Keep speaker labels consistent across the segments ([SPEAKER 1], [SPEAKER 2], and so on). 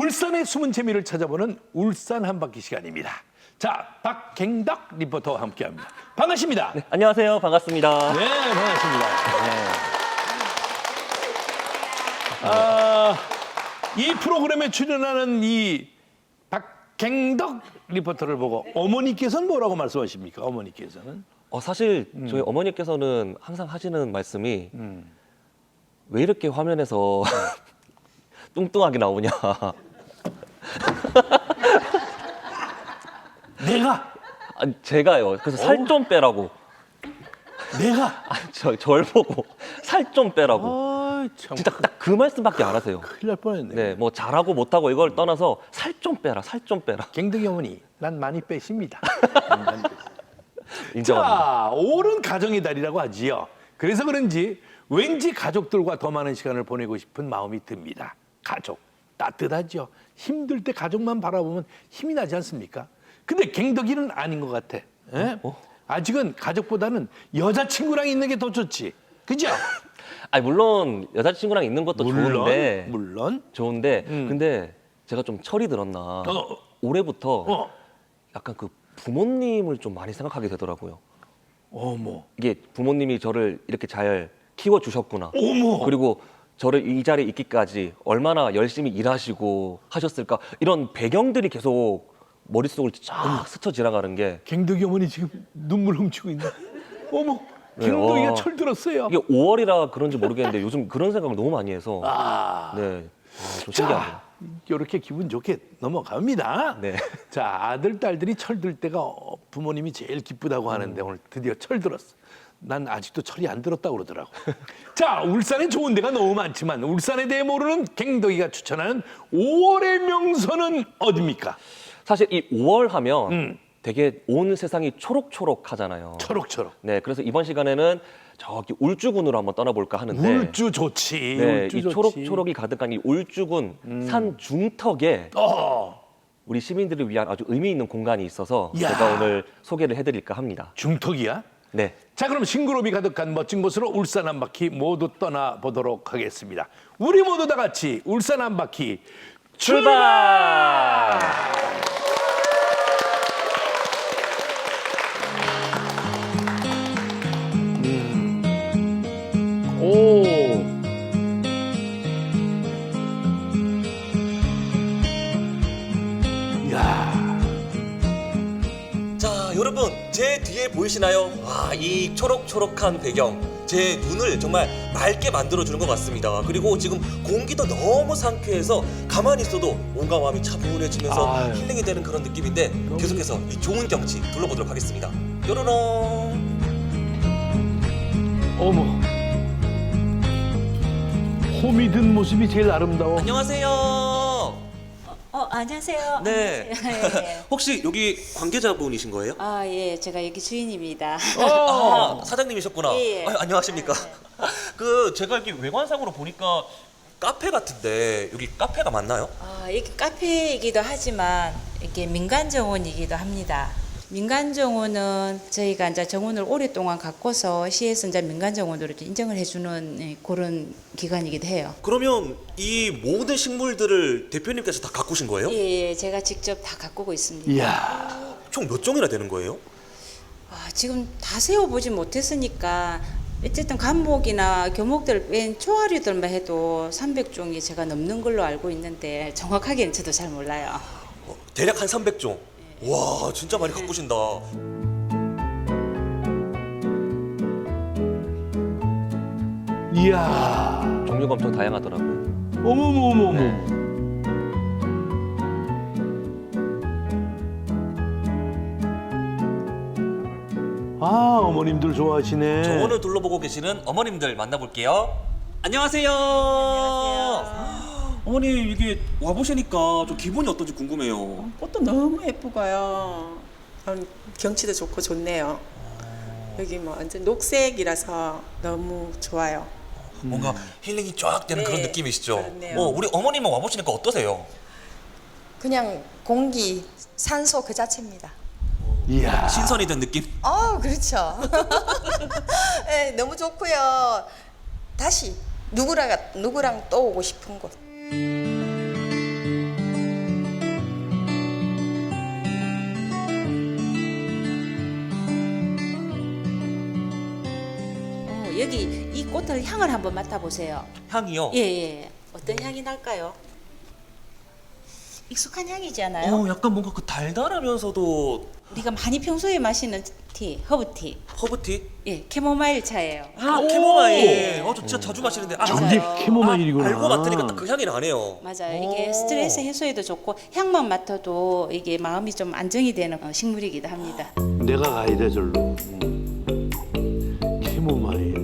[SPEAKER 1] 울산의 숨은 재미를 찾아보는 울산 한 바퀴 시간입니다. 자, 박갱덕 리포터와 함께합니다. 반갑습니다.
[SPEAKER 2] 네, 안녕하세요. 반갑습니다.
[SPEAKER 1] 네, 반갑습니다. 이 프로그램에 출연하는 이 박갱덕 리포터를 보고 어머니께서는 뭐라고 말씀하십니까? 어머니께서는?
[SPEAKER 2] 사실 저희 어머니께서는 항상 하시는 말씀이 왜 이렇게 화면에서 뚱뚱하게 나오냐.
[SPEAKER 1] 내가?
[SPEAKER 2] 아니, 제가요. 그래서 살 좀 빼라고.
[SPEAKER 1] 내가?
[SPEAKER 2] 절 보고 살 좀 빼라고.
[SPEAKER 1] 아, 참.
[SPEAKER 2] 진짜 딱 그 말씀밖에 안 하세요.
[SPEAKER 1] 큰일 날 뻔했네.
[SPEAKER 2] 네, 뭐 잘하고 못하고 이걸 떠나서 살 좀 빼라, 살 좀 빼라.
[SPEAKER 1] 갱덕이 어머니, 난 많이 빼십니다.
[SPEAKER 2] 인정합니다.
[SPEAKER 1] 자, 5월은 가정의 달이라고 하지요. 그래서 그런지 왠지 가족들과 더 많은 시간을 보내고 싶은 마음이 듭니다. 가족, 따뜻하죠. 힘들 때 가족만 바라보면 힘이 나지 않습니까? 근데 갱덕이는 아닌 것 같아. 예? 아직은 가족보다는 여자친구랑 있는 게 더 좋지. 그죠?
[SPEAKER 2] 아니, 물론 여자친구랑 있는 것도 좋은데.
[SPEAKER 1] 물론.
[SPEAKER 2] 좋은데, 근데 제가 좀 철이 들었나. 올해부터 약간 그 부모님을 좀 많이 생각하게 되더라고요.
[SPEAKER 1] 어머.
[SPEAKER 2] 이게 부모님이 저를 이렇게 잘 키워주셨구나.
[SPEAKER 1] 어머.
[SPEAKER 2] 그리고 저를 이 자리에 있기까지 얼마나 열심히 일하시고 하셨을까. 이런 배경들이 계속 머릿속을 쫙 스쳐 지나가는 게.
[SPEAKER 1] 갱덕이 어머니 지금 눈물 훔치고 있네. 어머.
[SPEAKER 2] 네,
[SPEAKER 1] 갱덕이가 철 들었어요.
[SPEAKER 2] 이게 5월이라 그런지 모르겠는데 요즘 그런 생각을 너무 많이 해서. 네. 좀 신기합니다.
[SPEAKER 1] 자, 이렇게 기분 좋게 넘어갑니다.
[SPEAKER 2] 네.
[SPEAKER 1] 자, 아들, 딸들이 철들 때가 부모님이 제일 기쁘다고 하는데 오늘 드디어 철 들었어. 난 아직도 철이 안 들었다고 그러더라고. 자, 울산에 좋은 데가 너무 많지만 울산에 대해 모르는 갱덕이가 추천하는 5월의 명소는 어디입니까?
[SPEAKER 2] 사실 이 5월 하면 되게 온 세상이 초록초록하잖아요.
[SPEAKER 1] 초록초록.
[SPEAKER 2] 네, 그래서 이번 시간에는 저기 울주군으로 한번 떠나볼까 하는데.
[SPEAKER 1] 울주 좋지.
[SPEAKER 2] 네,
[SPEAKER 1] 울주
[SPEAKER 2] 이
[SPEAKER 1] 좋지.
[SPEAKER 2] 초록초록이 가득한 이 울주군 산 중턱에 우리 시민들을 위한 아주 의미 있는 공간이 있어서
[SPEAKER 1] 야.
[SPEAKER 2] 제가 오늘 소개를 해드릴까 합니다.
[SPEAKER 1] 중턱이야?
[SPEAKER 2] 네.
[SPEAKER 1] 자, 그럼 싱그러움이 가득한 멋진 곳으로 울산 한 바퀴 모두 떠나보도록 하겠습니다. 우리 모두 다 같이 울산 한 바퀴 출발! 오. 야.
[SPEAKER 2] 자, 여러분 제 뒤에 보이시나요? 이 초록초록한 배경 제 눈을 정말 맑게 만들어주는 것 같습니다. 그리고 지금 공기도 너무 상쾌해서 가만히 있어도 온갖 마음이 차분해지면서
[SPEAKER 1] 아유.
[SPEAKER 2] 힐링이 되는 그런 느낌인데 계속해서 이 좋은 경치 둘러보도록 하겠습니다. 뾰로롱.
[SPEAKER 1] 어머. 홈이 든 모습이 제일 아름다워.
[SPEAKER 2] 안녕하세요.
[SPEAKER 3] 안녕하세요.
[SPEAKER 2] 네.
[SPEAKER 3] 안녕하세요. 예.
[SPEAKER 2] 혹시 여기 관계자분이신 거예요?
[SPEAKER 3] 예, 제가 여기 주인입니다.
[SPEAKER 2] 사장님이셨구나.
[SPEAKER 3] 예.
[SPEAKER 2] 안녕하십니까. 제가 여기 외관상으로 보니까 카페 같은데 여기 카페가 맞나요?
[SPEAKER 3] 이게 카페이기도 하지만 이게 민간 정원이기도 합니다. 민간 정원은 저희가 이제 정원을 오랫동안 갖고서 시에서 이제 민간 정원으로 인정을 해주는 그런 기관이기도 해요.
[SPEAKER 2] 그러면 이 모든 식물들을 대표님께서 다 가꾸신 거예요?
[SPEAKER 3] 예, 제가 직접 다 가꾸고 있습니다.
[SPEAKER 1] 이야.
[SPEAKER 2] 총 몇 종이나 되는 거예요?
[SPEAKER 3] 지금 다 세워보지 못했으니까 어쨌든 감목이나 교목들 뺀 초하류들만 해도 300종이 제가 넘는 걸로 알고 있는데 정확하게는 저도 잘 몰라요.
[SPEAKER 2] 대략 한 300종. 와, 진짜 많이 가꾸신다.
[SPEAKER 1] 이야.
[SPEAKER 2] 종류가 엄청 다양하더라고요.
[SPEAKER 1] 어머머머머. 아, 어머님들 좋아하시네.
[SPEAKER 2] 정원을 둘러보고 계시는 어머님들 만나볼게요. 안녕하세요. 어머니 이게 와보시니까 좀 기분이 어떤지 궁금해요.
[SPEAKER 4] 꽃도 너무 예쁘고요. 경치도 좋고 좋네요. 여기 뭐 완전 녹색이라서 너무 좋아요.
[SPEAKER 2] 뭔가 힐링이 쫙 되는
[SPEAKER 4] 네,
[SPEAKER 2] 그런 느낌이시죠?
[SPEAKER 4] 그렇네요.
[SPEAKER 2] 우리 어머님은 와보시니까 어떠세요?
[SPEAKER 5] 그냥 공기, 산소 그 자체입니다.
[SPEAKER 1] 이야.
[SPEAKER 2] 신선이 된 느낌?
[SPEAKER 5] 그렇죠. 네, 너무 좋고요. 다시 누구랑 또 오고 싶은 곳.
[SPEAKER 3] 여기 이 꽃을 향을 한번 맡아보세요.
[SPEAKER 2] 향이요?
[SPEAKER 3] 예, 예. 어떤 향이 날까요? 익숙한 향이지 않아요?
[SPEAKER 2] 약간 뭔가 그 달달하면서도
[SPEAKER 3] 우리가 많이 평소에 마시는 티, 허브티.
[SPEAKER 2] 허브티?
[SPEAKER 3] 예, 캐모마일 차예요.
[SPEAKER 2] 캐모마일. 저 진짜 자주 마시는데.
[SPEAKER 1] 저게
[SPEAKER 3] 맞아요.
[SPEAKER 1] 캐모마일이구나.
[SPEAKER 2] 알고 맡으니까 딱 그 향이 나네요.
[SPEAKER 3] 맞아요. 이게 스트레스 해소에도 좋고 향만 맡아도 이게 마음이 좀 안정이 되는 식물이기도 합니다.
[SPEAKER 1] 내가 가야 돼 절로. 캐모마일.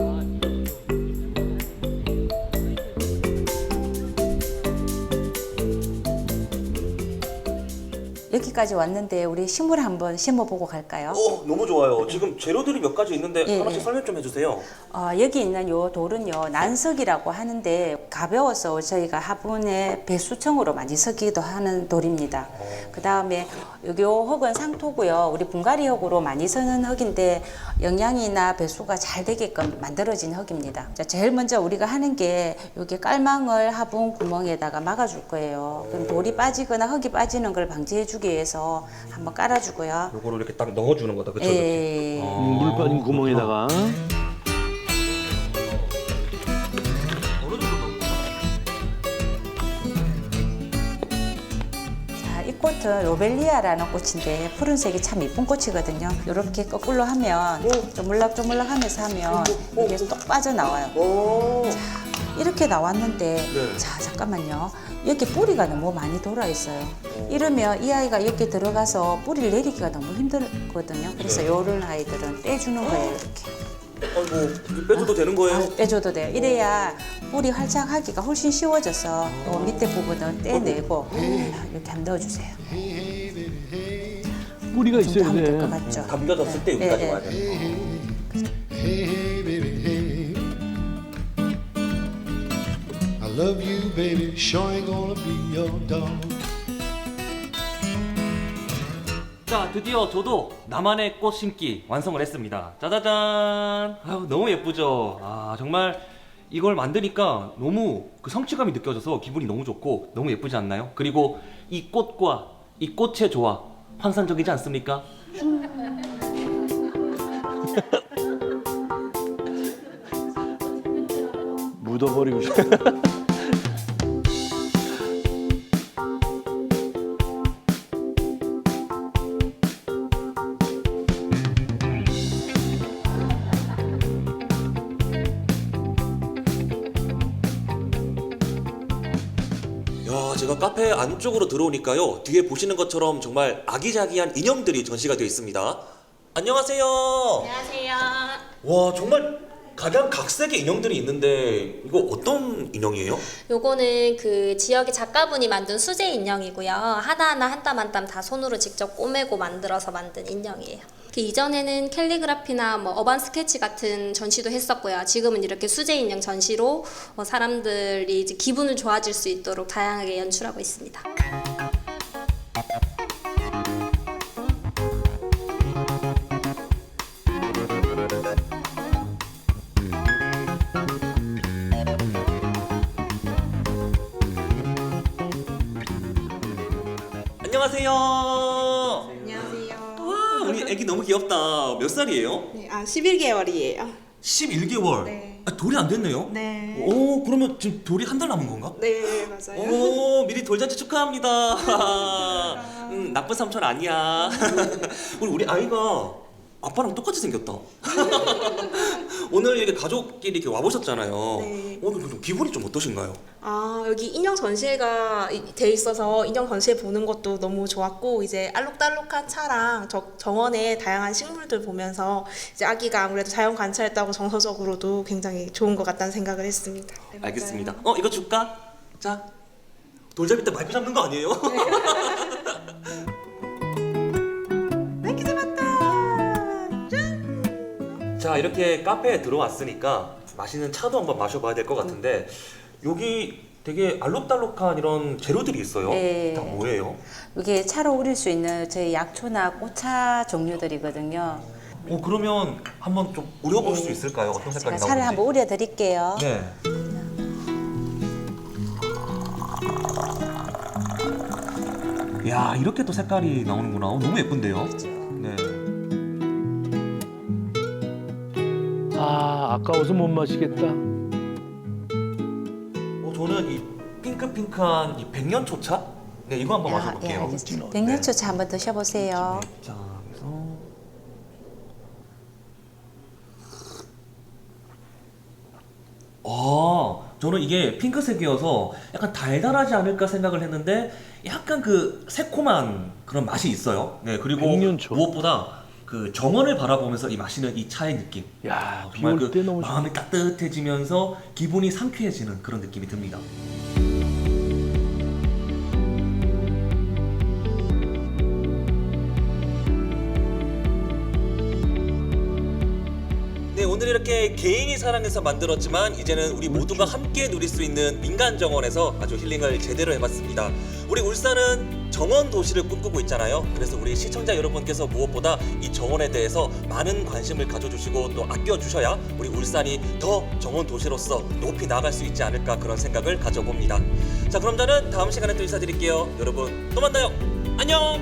[SPEAKER 3] 여기까지 왔는데 우리 식물 한번 심어보고 갈까요?
[SPEAKER 2] 너무 좋아요. 지금 재료들이 몇 가지 있는데
[SPEAKER 3] 예,
[SPEAKER 2] 하나씩
[SPEAKER 3] 예.
[SPEAKER 2] 설명 좀 해주세요.
[SPEAKER 3] 여기 있는 요 돌은요 난석이라고 하는데 가벼워서 저희가 화분에 배수청으로 많이 쓰기도 하는 돌입니다. 그 다음에 여기 요 흙은 상토고요. 우리 분갈이 흙으로 많이 쓰는 흙인데 영양이나 배수가 잘 되게끔 만들어진 흙입니다. 자, 제일 먼저 우리가 하는 게 여기 깔망을 화분 구멍에다가 막아줄 거예요. 그럼 돌이 빠지거나 흙이 빠지는 걸 방지해주기 위해서 한번 깔아주고요.
[SPEAKER 2] 요거를 이렇게 딱 넣어주는 거다, 그쵸?
[SPEAKER 3] 예.
[SPEAKER 1] 물 빠진 구멍에다가
[SPEAKER 3] 자, 이 꽃은 로벨리아라는 꽃인데 푸른색이 참 이쁜 꽃이거든요. 이렇게 거꾸로 하면 조물락조물락 하면서 하면 이게 똑 빠져나와요. 자, 이렇게 나왔는데
[SPEAKER 2] 네.
[SPEAKER 3] 자, 잠깐만요. 이렇게 뿌리가 너무 많이 돌아 있어요. 이러면 이 아이가 이렇게 들어가서 뿌리를 내리기가 너무 힘들거든요. 그래서 이런 아이들은 떼주는 거예요, 이렇게.
[SPEAKER 2] 아이고, 빼줘도 되는 거예요?
[SPEAKER 3] 빼줘도 돼요. 이래야 뿌리 활착하기가 훨씬 쉬워져서 요 밑에 부분은 떼내고 이렇게 한번 넣어주세요.
[SPEAKER 1] 뿌리가
[SPEAKER 3] 이 정도
[SPEAKER 1] 있어야
[SPEAKER 3] 하면 될 것
[SPEAKER 1] 돼.
[SPEAKER 3] 같죠?
[SPEAKER 2] 담겨졌을 때 여기까지
[SPEAKER 3] 예, 예.
[SPEAKER 2] 와야 돼요.
[SPEAKER 6] Hey, baby, hey. I love you, baby. Sure ain't gonna be your dog.
[SPEAKER 2] 자, 드디어 저도 나만의 꽃 심기 완성을 했습니다. 짜자잔. 아유, 너무 예쁘죠? 정말 이걸 만드니까 너무 그 성취감이 느껴져서 기분이 너무 좋고 너무 예쁘지 않나요? 그리고 이 꽃과 이 꽃의 조화 환상적이지 않습니까?
[SPEAKER 1] 묻어버리고 싶어.
[SPEAKER 2] 야, 제가 카페 안쪽으로 들어오니까요. 뒤에 보시는 것처럼 정말 아기자기한 인형들이 전시가 되어 있습니다. 안녕하세요.
[SPEAKER 7] 안녕하세요.
[SPEAKER 2] 와, 정말 각양각색의 인형들이 있는데 이거 어떤 인형이에요?
[SPEAKER 7] 요거는 그 지역의 작가분이 만든 수제 인형이고요. 하나하나 한 땀 한 땀 다 손으로 직접 꼬매고 만들어서 만든 인형이에요. 그 이전에는 캘리그라피나 뭐 어반 스케치 같은 전시도 했었고요. 지금은 이렇게 수제 인형 전시로 사람들이 이제 기분을 좋아질 수 있도록 다양하게 연출하고 있습니다.
[SPEAKER 2] 안녕하세요.
[SPEAKER 8] 안녕하세요.
[SPEAKER 2] 와, 우리 애기 너무 귀엽다. 몇 살이에요?
[SPEAKER 8] 네, 11개월이에요.
[SPEAKER 2] 11개월.
[SPEAKER 8] 네.
[SPEAKER 2] 돌이 안 됐네요.
[SPEAKER 8] 네.
[SPEAKER 2] 오, 그러면 지금 돌이 한 달 남은 건가?
[SPEAKER 8] 네, 맞아요.
[SPEAKER 2] 오, 미리 돌잔치 축하합니다. 나쁜 삼촌 아니야. 우리 아이가 아빠랑 똑같이 생겼다. 오늘 이렇게 가족끼리 이렇게 와보셨잖아요.
[SPEAKER 8] 네.
[SPEAKER 2] 오늘 좀 기분이 좀 어떠신가요?
[SPEAKER 8] 여기 인형 전시회가 돼 있어서 인형 전시회 보는 것도 너무 좋았고, 이제 알록달록한 차랑 정원의 다양한 식물들 보면서 이제 아기가 아무래도 자연 관찰했다고 정서적으로도 굉장히 좋은 것 같다는 생각을 했습니다. 네, 맞아요.
[SPEAKER 2] 알겠습니다. 이거 줄까? 자, 돌잡이 때 마이크 잡는 거 아니에요?
[SPEAKER 8] 마이크 잡았다.
[SPEAKER 2] 자, 이렇게 카페에 들어왔으니까 맛있는 차도 한번 마셔봐야 될 것 같은데 여기 되게 알록달록한 이런 재료들이 있어요.
[SPEAKER 3] 네.
[SPEAKER 2] 다 뭐예요?
[SPEAKER 3] 이게 차로 우릴 수 있는 저희 약초나 꽃차 종류들이거든요.
[SPEAKER 2] 그러면 한번 좀 우려볼 수 있을까요? 어떤
[SPEAKER 3] 제가
[SPEAKER 2] 색깔이
[SPEAKER 3] 차를
[SPEAKER 2] 나오는지?
[SPEAKER 3] 한번 우려 드릴게요.
[SPEAKER 2] 네. 야, 이렇게 또 색깔이 나오는구나. 너무 예쁜데요?
[SPEAKER 3] 그렇죠.
[SPEAKER 2] 네.
[SPEAKER 1] 아, 아까워서 못 마시겠다.
[SPEAKER 2] 저는 이 핑크핑크한 이 백년초차? 네, 이거 한번 마셔볼게요.
[SPEAKER 3] 예, 알겠습니다. 백년초차 한번 드셔보세요.
[SPEAKER 2] 자, 그래서 저는 이게 핑크색이어서 약간 달달하지 않을까 생각을 했는데 약간 그 새콤한 그런 맛이 있어요. 네, 그리고
[SPEAKER 1] 백년초.
[SPEAKER 2] 무엇보다 그 정원을 바라보면서 이 마시는 이 차의 느낌.
[SPEAKER 1] 야, 비
[SPEAKER 2] 정말
[SPEAKER 1] 올 때 너무 좋아.
[SPEAKER 2] 마음이 따뜻해지면서 기분이 상쾌해지는 그런 느낌이 듭니다. 네, 오늘 이렇게 개인이 사랑해서 만들었지만 이제는 우리 모두가 함께 누릴 수 있는 민간 정원에서 아주 힐링을 제대로 해봤습니다. 우리 울산은 정원 도시를 꿈꾸고 있잖아요. 그래서 우리 시청자 여러분께서 무엇보다 이 정원에 대해서 많은 관심을 가져주시고 또 아껴주셔야 우리 울산이 더 정원 도시로서 높이 나아갈 수 있지 않을까 그런 생각을 가져봅니다. 자, 그럼 저는 다음 시간에 또 인사드릴게요. 여러분 또 만나요. 안녕.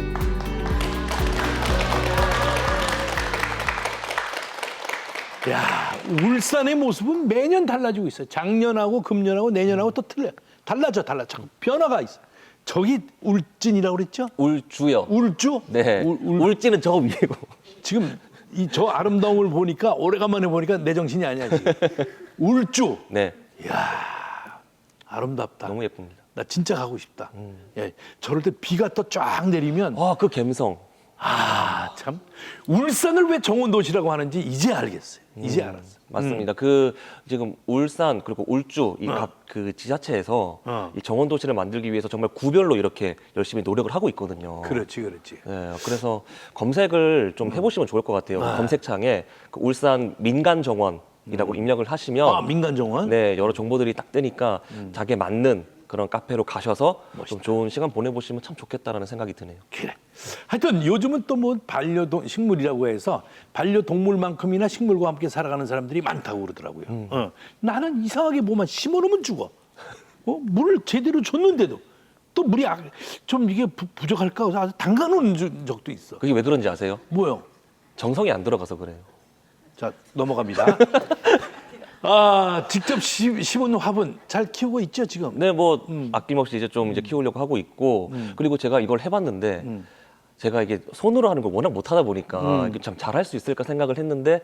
[SPEAKER 1] 야, 울산의 모습은 매년 달라지고 있어요. 작년하고 금년하고 내년하고 또 틀려. 달라져. 자꾸 변화가 있어. 저기 울진이라고 그랬죠?
[SPEAKER 9] 울주요.
[SPEAKER 1] 울주?
[SPEAKER 9] 네. 울지는 저 위고.
[SPEAKER 1] 지금 이 저 아름다움을 보니까 오래간만에 보니까 내 정신이 아니야 지금. 울주.
[SPEAKER 9] 네.
[SPEAKER 1] 이야, 아름답다.
[SPEAKER 9] 너무 예쁩니다.
[SPEAKER 1] 나 진짜 가고 싶다. 예, 저럴 때 비가 또 쫙 내리면
[SPEAKER 9] 그 감성.
[SPEAKER 1] 참 울산을 왜 정원도시라고 하는지 이제 알겠어요. 이제 알았어.
[SPEAKER 9] 맞습니다. 그 지금 울산 그리고 울주 이 각 그 지자체에서 이 정원 도시를 만들기 위해서 정말 구별로 이렇게 열심히 노력을 하고 있거든요.
[SPEAKER 1] 그렇지.
[SPEAKER 9] 네, 그래서 검색을 좀 해보시면 좋을 것 같아요. 검색창에 그 울산 민간 정원이라고 입력을 하시면
[SPEAKER 1] 아, 민간 정원?
[SPEAKER 9] 네, 여러 정보들이 딱 뜨니까 자기에 맞는 그런 카페로 가셔서 좀 좋은 시간 보내보시면 참 좋겠다라는 생각이 드네요.
[SPEAKER 1] 그래. 하여튼 요즘은 또 뭐 반려동 식물이라고 해서 반려동물만큼이나 식물과 함께 살아가는 사람들이 많다고 그러더라고요. 나는 이상하게 뭐만 심어놓으면 죽어. 물을 제대로 줬는데도 또 물이 좀 이게 부족할까 해서 담가놓은 적도 있어.
[SPEAKER 9] 그게 왜 그런지 아세요?
[SPEAKER 1] 뭐요?
[SPEAKER 9] 정성이 안 들어가서 그래요.
[SPEAKER 1] 자, 넘어갑니다. 아, 직접 심은 화분 잘 키우고 있죠 지금?
[SPEAKER 9] 네, 뭐 아낌없이 이제 좀 이제 키우려고 하고 있고 그리고 제가 이걸 해봤는데 제가 이게 손으로 하는 걸 워낙 못하다 보니까 이게 참 잘할 수 있을까 생각을 했는데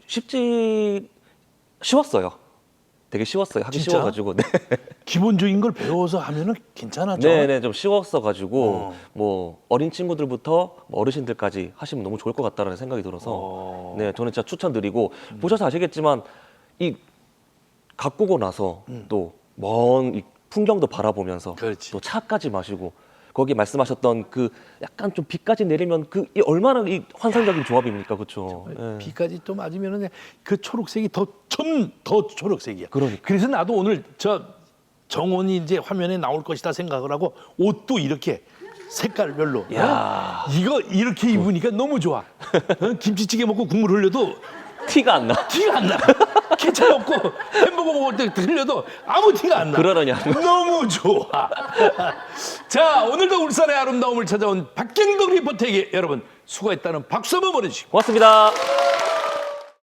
[SPEAKER 9] 쉬웠어요. 되게 쉬웠어요. 하기
[SPEAKER 1] 진짜?
[SPEAKER 9] 쉬워가지고. 네.
[SPEAKER 1] 기본적인 걸 배워서 하면은 괜찮아져.
[SPEAKER 9] 네네, 좀 쉬웠어가지고 뭐 어린 친구들부터 뭐 어르신들까지 하시면 너무 좋을 것 같다라는 생각이 들어서 네, 저는 진짜 추천드리고 보셔서 아시겠지만 이 가꾸고 나서 또 먼 풍경도 바라보면서
[SPEAKER 1] 그렇지.
[SPEAKER 9] 또 차까지 마시고 거기 말씀하셨던 그 약간 좀 비까지 내리면 이 얼마나 이 환상적인 조합입니까, 그렇죠?
[SPEAKER 1] 비까지 또 맞으면은 그 초록색이 더 초록색이야.
[SPEAKER 9] 그러니까.
[SPEAKER 1] 그래서 나도 오늘 저 정원이 이제 화면에 나올 것이다 생각을 하고 옷도 이렇게 색깔별로. 이거 이렇게 입으니까 너무 좋아. 김치찌개 먹고 국물 흘려도
[SPEAKER 9] 티가 안 나.
[SPEAKER 1] 티가 안 나. 케첩 먹고 햄버거 먹을 때 흘려도 아무 티가 안 나.
[SPEAKER 9] 그러느냐.
[SPEAKER 1] 너무 좋아. 자, 오늘도 울산의 아름다움을 찾아온 박경덕 리포터에게 여러분 수고했다는 박수 한번 보내주시고.
[SPEAKER 9] 고맙습니다.